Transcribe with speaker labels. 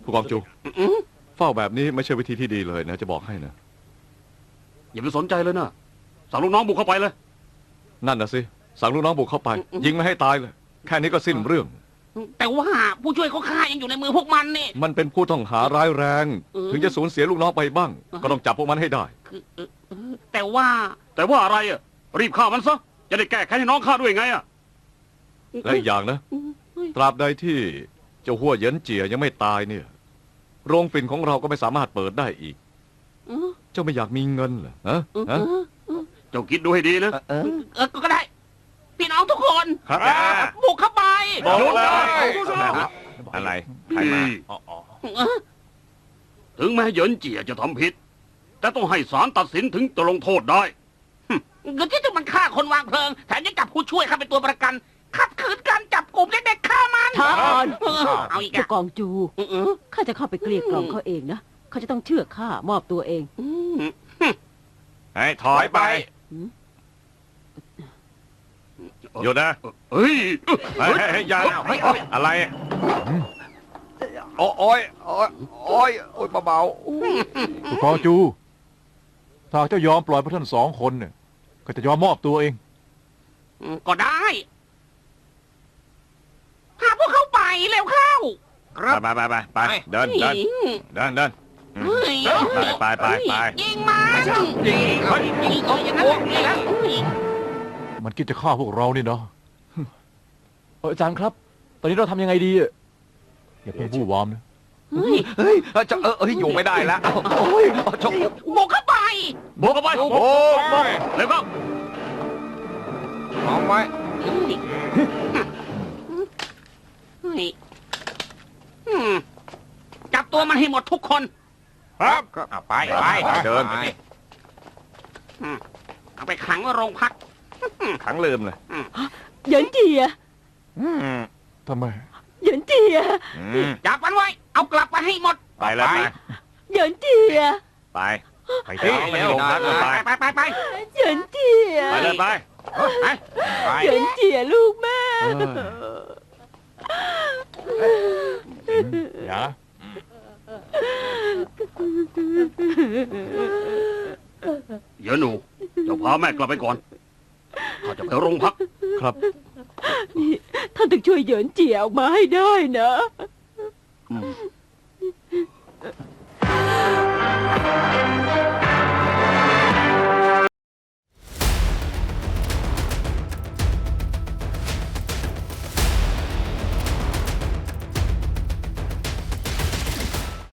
Speaker 1: ผู้กองจูเฝ้าแบบนี้ไม่ใช่วิธีที่ดีเลยนะจะบอกให้นะ
Speaker 2: อย่าไปสนใจเลยนะสั่งลูกน้องบุกเข้าไปเลย
Speaker 1: นั่นนะสิสั่งลูกน้องบุกเข้าไปยิงไม่ให้ตายเลยแค่นี้ก็สิ้นเรื่อง
Speaker 3: แต่ว่าผู้ช่วยเขาฆ่ายังอยู่ในมือพวกมันนี่
Speaker 1: มันเป็นผู้ต้องหาร้ายแรงถึงจะสูญเสียลูกน้องไปบ้างก็ต้องจับพวกมันให้ได้
Speaker 3: แต่ว่า
Speaker 2: อะไรอ่ะรีบฆ่ามันซะจะได้แก้แค้นให้น้องข้าด้วยไงอ่ะ
Speaker 1: และอีกอย่างนะตราบใดที่เจ้าหัวเหยินเจียยังไม่ตายเนี่ยโรงฝิ่นของเราก็ไม่สามารถเปิดได้อีกเจ้าไม่อยากมีเงินเหรอฮะ
Speaker 2: เจ้าคิดดูให้ดีนะ
Speaker 3: ก็ได้พี่น้องทุกคนบุกเข้าไป
Speaker 2: บุกเลย
Speaker 1: อะไรใครมา
Speaker 2: ถึงแม้เหยินเจียจะทำผิดแต่ต้องให้ศาลตัดสินถึงจะลงโทษได้
Speaker 3: เงินที่จะมันฆ่าคนวางเพลิงแถมยังจับผู้ช่วยข้าเป็นตัวประกันขัดขืนการจับกลุ่มเด็กๆฆ่ามัน
Speaker 4: ท้าอ่อน
Speaker 3: เอาอีก
Speaker 4: ผู้กองจูข้าจะเข้าไปเกลี้ยกล่อมเขาเองนะเขาจะต้องเชื่อข้ามอบตัวเอง
Speaker 1: ให้ถอยไปหยุดนะ
Speaker 2: เฮ้ย
Speaker 1: อย่าอะไรโอ้ยเบา
Speaker 5: ผู้กองจูถ้าเจ้ายอมปล่อยพวกท่าน2 คนเนี่ยก็จะยอมมอบตัวเอง
Speaker 3: ก็ได้พาพวกเขาไปเร็วเข้า
Speaker 1: ไปเดินไป
Speaker 3: ยิงมันอย่างนั้น
Speaker 5: มันคิดจะฆ่าพวกเรานี่เนาะ
Speaker 6: อาจารย์ครับตอนนี้เราทำยังไงดี
Speaker 5: อย่าเพิ่งบู้วามนะ
Speaker 1: จะอยู่ไม่ได้แล้ว
Speaker 3: บุกเข้าไป
Speaker 2: เร็วเข้า
Speaker 1: พร้อมไว้
Speaker 3: จับตัวมันให้หมดทุกคน
Speaker 1: ครับไปเดิน
Speaker 3: เอาไปขังไว้โรงพัก
Speaker 1: ขังลืมเลย
Speaker 4: เหยินเจีย
Speaker 5: ทำไม
Speaker 4: เหยินเจีย
Speaker 3: จับมันไว้เอากลับไปให้หมด
Speaker 1: ไปเลย
Speaker 4: เหยินเจีย
Speaker 1: ไปที่โรงพัก
Speaker 3: ไป
Speaker 4: เหยินเจีย
Speaker 1: ไปเลยไป
Speaker 4: เหยินเจียลูกแม่
Speaker 5: อย่า
Speaker 2: เหยินหนูเจ้าพาแม่กลับไปก่อนข้าจะไปโรงพัก
Speaker 1: ครับ
Speaker 4: นี่ท่านต้องช่วยเหยินเจียออกมาให้ได้นะ